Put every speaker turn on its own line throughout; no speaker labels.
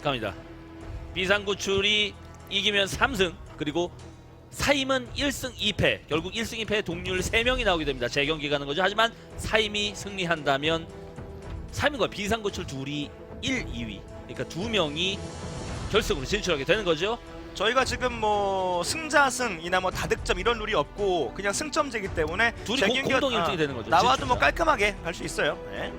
시작합니다. 비상구출이 이기면 3승, 그리고 사임은 1승 2패. 결국 1승 2패 동률 3명이 나오게 됩니다. 재경기 가는 거죠. 하지만 사임이 승리한다면 사임과 비상구출 둘이 1, 2위. 그러니까 2명이 결승으로 진출하게 되는 거죠.
저희가 지금 뭐 승자승이나 뭐 다득점 이런 룰이 없고 그냥 승점제이기 때문에
둘이
재경기가
공동 1등이 되는 거죠.
나와도
진출자.
뭐 깔끔하게 갈 수 있어요. 네.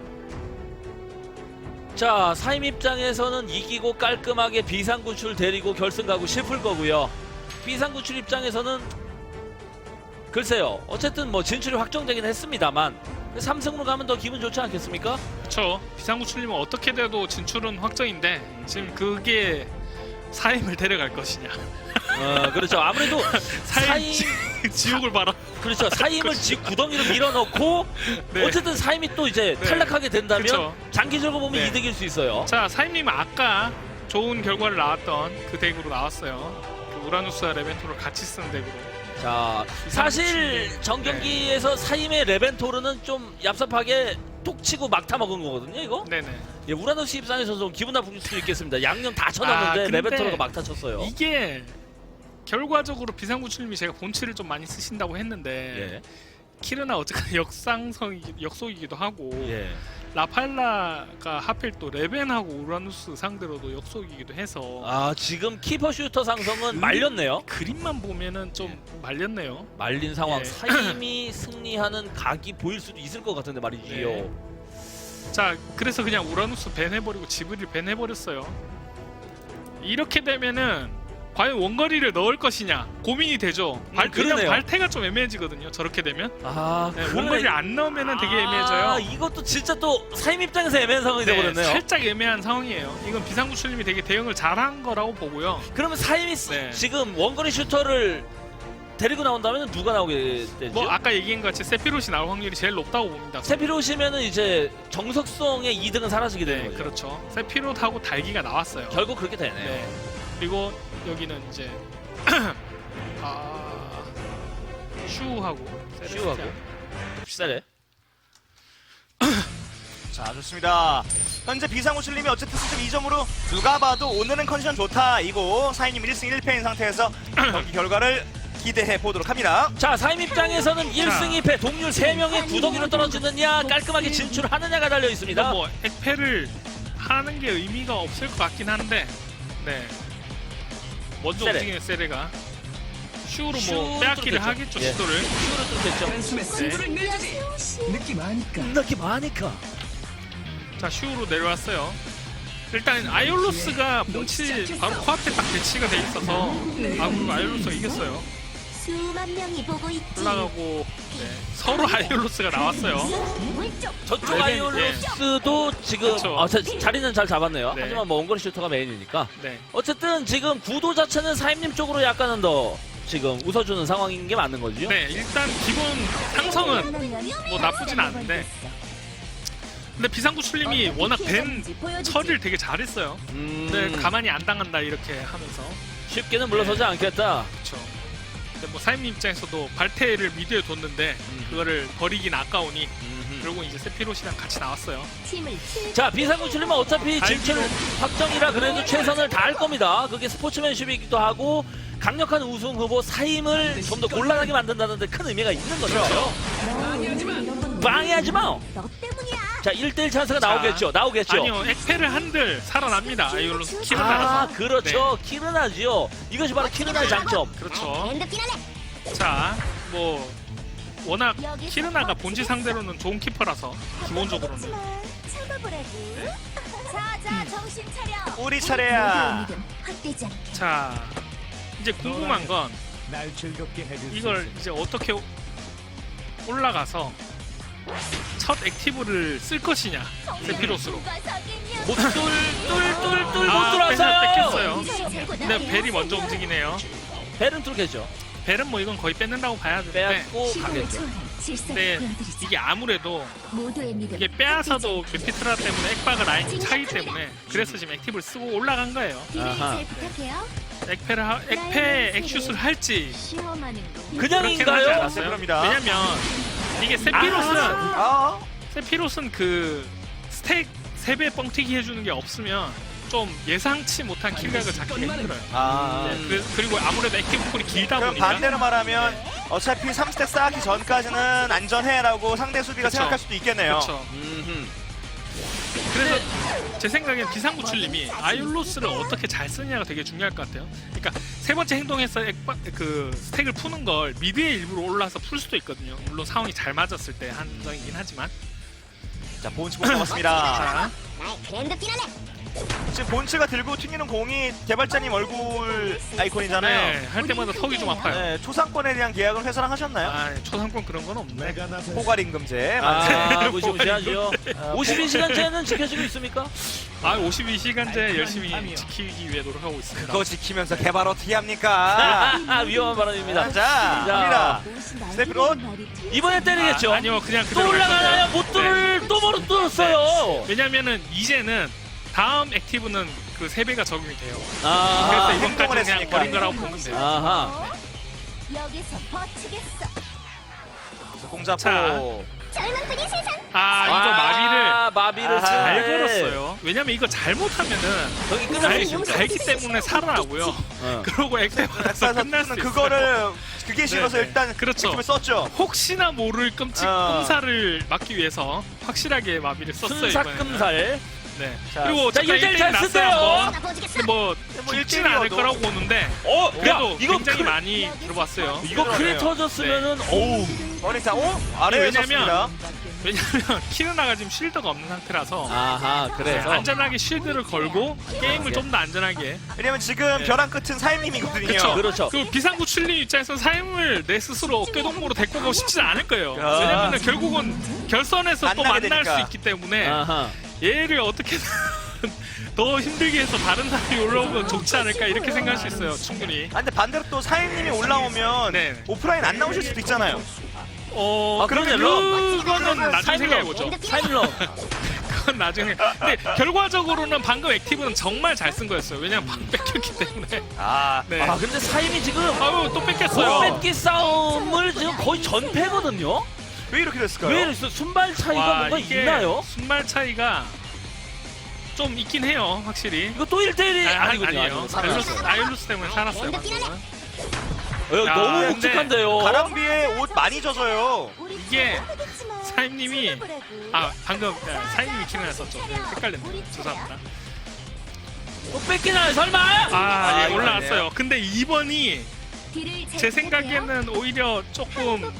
자, 사임 입장에서는 이기고 깔끔하게 비상구출 데리고 결승 가고 싶을 거고요. 비상구출 입장에서는 글쎄요. 어쨌든 뭐 진출이 확정되긴 했습니다만 3승으로 가면 더 기분 좋지 않겠습니까?
그렇죠. 비상구출님은 어떻게 돼도 진출은 확정인데 지금 그게 사임을 데려갈 것이냐.
그렇죠. 아무래도 사임
지옥을 봐라.
그렇죠. 사임을 집 구덩이로 밀어넣고
네.
어쨌든 사임이 또 이제
네.
탈락하게 된다면
그쵸.
장기적으로 보면
네.
이득일 수 있어요.
자, 사임님은 아까 좋은 결과를 나왔던 그 덱으로 나왔어요. 그 우라누스와 레벤토를 같이 쓰는 덱으로.
자, 사실 정경기에서 사임의 레벤토르는 좀 얍삽하게 톡 치고 막타 먹은 거거든요, 이거?
네네.
예, 우라노스 입장에서 좀 기분 나쁠 수도 있겠습니다. 양념 다 쳐놨는데
근데
레벤토르가 막타 쳤어요.
이게 결과적으로 비상구출님이 제가 본치를 좀 많이 쓰신다고 했는데
예.
키르나 어쨌든 역속이기도 하고
예.
라팔라가 하필 또 레벤하고 우라누스 상대로도 역속이기도 해서
아, 지금 키퍼 슈터 상성은 말렸네요.
그림만 보면은 좀 말렸네요.
말린 상황.
예.
사임이 승리하는 각이 보일 수도 있을 것 같은데 말이지요.
네. 자, 그래서 그냥 우라누스 밴해버리고 지브릴 밴해버렸어요. 이렇게 되면은 과연 원거리를 넣을 것이냐 고민이 되죠. 그냥
그러네요.
발태가 좀 애매해지거든요. 저렇게 되면
아,
네,
그래.
원거리를 안 넣으면은 되게
아,
애매해져요.
이것도 진짜 또 사임 입장에서 애매한 상황이
네,
되버렸네요.
살짝 애매한 상황이에요. 이건 비상구출님이 되게 대응을 잘한 거라고 보고요.
그러면 사임이
네.
지금 원거리 슈터를 데리고 나온다면 누가 나오게 되죠?
뭐 아까 얘기한 것 같이 세피롯이 나올 확률이 제일 높다고 봅니다.
세피로시면은 이제 정석성의 2등은 사라지게 되는
네,
거죠.
그렇죠. 세피롯하고 달기가 나왔어요.
결국 그렇게 되네요.
네. 그리고 여기는 이제 슈하고
슈하고 비싸네.
자, 좋습니다. 현재 비상구출님이 어쨌든 승점 2점으로 누가 봐도 오늘은 컨디션 좋다 이고 사인님 1승 1패인 상태에서 경기 결과를 기대해 보도록 합니다.
자, 사임 입장에서는 1승 2패 동률 3명의 구덩이로 떨어지느냐 깔끔하게 진출하느냐가 달려 있습니다.
이건 뭐 액패를 하는 게 의미가 없을 것 같긴 한데, 네. 먼저
세레.
움직이는 세레가 슈로
슈로
뭐 빼앗기를
뚫겠죠.
하겠죠.
예.
시도를.
슈로 뚫겠죠.
단숨에 승부를 내주지. 느낌 아니까.
느낌 많으니까.
자, 슈로 내려왔어요. 일단 아이올로스가 뭉치 바로 코앞에 딱 배치가 돼 있어서 아이올로스가 이겼어요.
수만 명이 보고 있지.
올라가고 서로 아이올로스가 나왔어요.
저쪽
레벨,
아이올로스도 지금
그쵸.
자리는 잘 잡았네요.
네.
하지만 뭐 원거리 슈터가 메인이니까.
네.
어쨌든 지금 구도 자체는 사임님 쪽으로 약간은 더 지금 웃어주는 상황인 게 맞는 거죠.
네, 일단 기본 상성은 뭐 나쁘진 않은데, 근데 비상구출님이 워낙 밴 처리를 되게 잘했어요. 근데 가만히 안 당한다 이렇게 하면서.
쉽게는 물러서지 않겠다.
그렇죠. 근데 뭐 사임님 입장에서도 발테를 미드에 뒀는데 그거를 버리긴 아까우니 결국 이제 세피롯이랑 같이 나왔어요.
자, 비상구출님은 어차피 진출
알기로.
확정이라 그래도 최선을 다할 겁니다. 그게 스포츠맨십이기도 하고 강력한 우승 후보 사임을 좀 더 곤란하게 만든다는 데 큰 의미가 있는 거죠. 방해하지 마.
너 때문이야.
자, 1대1 찬스가 나오겠죠. 나오겠죠.
아니요, 액패를 한들 살아납니다. 아이올로스 키르나라서.
아, 그렇죠. 키르나지요. 이것이 바로 키르나의 장점.
그렇죠.
랜드긴 하네.
자, 뭐 워낙 키르나가 본지 상대로는 좋은 키퍼라서 기본적으로는.
참아보라고. 자자 정신 차려.
우리 차례야.
헛되지 않게.
자, 이제 궁금한 건
날 즐겁게 해줄
이걸 이제 어떻게 올라가서 첫 액티브를 쓸 것이냐, 세피로스로.
누가 사귀냐?
못 뚫 못
아,
들어왔어요.
뺏겼어요. 근데 벨이 먼저 움직이네요.
벨은 뚫겠죠.
벨은 뭐 이건 거의 뺏는다고 봐야 되는데,
빼앗고
시간을
가겠죠.
초월한 질서를
근데
보여드리자.
이게 아무래도
모두의 믿음.
이게 빼앗아도 메피트라 때문에 액바가 라인이 차기 때문에 그래서 지금 액티브를 쓰고 올라간 거예요.
딜을
아하.
잘 부탁해요.
액패 액슛을 할지
시험하는 거.
그렇게는 하지
그냥인가요?
않았어요.
그럽니다.
왜냐면 이게
아,
세피롯은 그 스택 3배 뻥튀기 해주는 게 없으면 좀 예상치 못한 킬각을 잡기가 힘들어요.
아.
네, 그리고 아무래도 액티브 콜이 길다
그럼
보니까
반대로 말하면 어차피 3스택 쌓기 전까지는 안전해라고 상대 수비가
그쵸.
생각할 수도 있겠네요.
그렇죠. 그래서 제 생각엔 비상구출님이 아이올로스를 어떻게 잘 쓰느냐가 되게 중요할 것 같아요. 그러니까 세 번째 행동에서 그 스택을 푸는 걸 미드에 일부러 올라서 풀 수도 있거든요. 물론 상황이 잘 맞았을 때 한정이긴 하지만.
자, 본치 공 잡았습니다.
자,
지금 본치가 들고 튕기는 공이 개발자님 얼굴 아이콘이잖아요.
네, 할 때마다 턱이 좀 아파요.
네, 초상권에 대한 계약은 회사랑 하셨나요?
아, 초상권 그런 건 없네.
내가 나서
포괄임금제.
아, 무시무시하죠. 52시간제는 지켜지고 있습니까?
아, 52시간제 열심히 지키기 위해 노력하고 있습니다.
그거 지키면서 개발 어떻게 합니까?
위험한 발언입니다.
자, 갑니다. 스테프로
이번에 때리겠죠.
아니요, 그냥
또
그대로 갈
올라가나요?
건데.
못 뚫을 또 못 뚫었어요.
왜냐면은 이제는 다음 액티브는 그 3배가 적용이 돼요.
아,
그래서
행동을
이번까지 그냥
했으니까.
버린 거라고 보면 돼요.
아하.
여기서 버티겠어.
공잡고
자.
젊은뜨기 세상.
아, 이거
마비를
아하.
잘
쓰는데
걸었어요. 왜냐면 이거 잘못하면은
저기 끝날 수 있습니다.
갈기 때문에 살아나고요.
어.
그러고 액티브 받아서 끝날 수 있어요.
그거를 그게 싫어서
네, 네.
일단
그렇죠.
액티브를 썼죠.
혹시나 모를 끔찍끔살을 막기 위해서 확실하게 마비를 썼어요. 이번에는.
순삭금살.
네.
자,
그리고
자,
잠깐
1대1
1대1
잘
났어요
쓰세요.
한번.
보지겠어.
근데 뭐
뭐
죽진 않을
1대1이어도.
거라고 보는데
어,
그래도
이거
굉장히 많이 들어봤어요.
이거 크게 터졌으면은 어우.
머리자, 아래에
왜냐면
섰습니다.
왜냐면 키르나가 지금 쉴드가 없는 상태라서
아하,
네,
그래서
안전하게 쉴드를 걸고 게임을 좀 더 안전하게.
왜냐면 지금
네.
벼랑 끝은 사임님이거든요.
그쵸.
그렇죠.
그리고 비상구출님 입장에서 삶을 내 스스로 어깨동무로 데리고 가고 싶지는 않을 거예요.
아.
왜냐면 결국은 결선에서 또
만나게
만날
되니까.
수 있기 때문에
아하.
얘를 어떻게든 더 힘들게 해서 다른 사람이 올라오면 좋지 않을까 이렇게 생각할 수 있어요. 충분히.
아, 근데 반대로 또 사임님이 올라오면
네.
오프라인 안 나오실 수도 있잖아요.
그러면 그거는 나중에 생각해보죠.
사일러.
그건 나중에. 근데 결과적으로는 방금 액티브는 정말 잘 쓴 거였어요. 왜냐면 방 뺏겼기 때문에.
아,
네.
아, 근데 사임이 지금
아유 또 뺏겼어요.
뺏기 싸움을 지금 거의 전패거든요.
왜 이렇게 됐을까요?
왜 이랬어? 순발 차이가
와,
뭔가
이게
있나요?
순발 차이가 좀 있긴 해요, 확실히.
이거 또 1대1이 아니군요.
아니에요.
살았어요.
아이올루스 때문에 살았어요. 방금은. 야,
너무
근데
묵직한데요.
가랑비에 옷 많이 젖어요.
이게 사임님이 방금 사임님이 키를 썼죠. 네, 헷갈렸네요. 죄송합니다.
또 뺏기나요? 설마?
예, 올라왔어요. 근데 2번이 제 생각에는 오히려 조금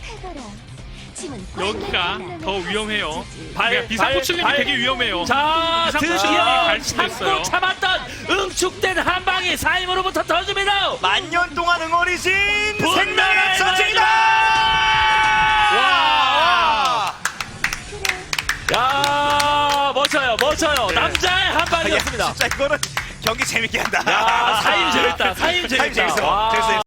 여기가 더 위험해요. 비상구출님이 되게 위험해요.
자,
비상구출님이
드디어
갈 수도
참고
있어요.
참았던 응축된 한 방이 사임으로부터 터집니다.
만년 동안 응어리진
분노의
생명의 전쟁이다!
와! 야, 멋져요.
네.
남자의 한 방이었습니다.
진짜 이거는 경기 재밌게 한다.
야, 사임 재밌다.
사임 재밌어.
와.
재밌어.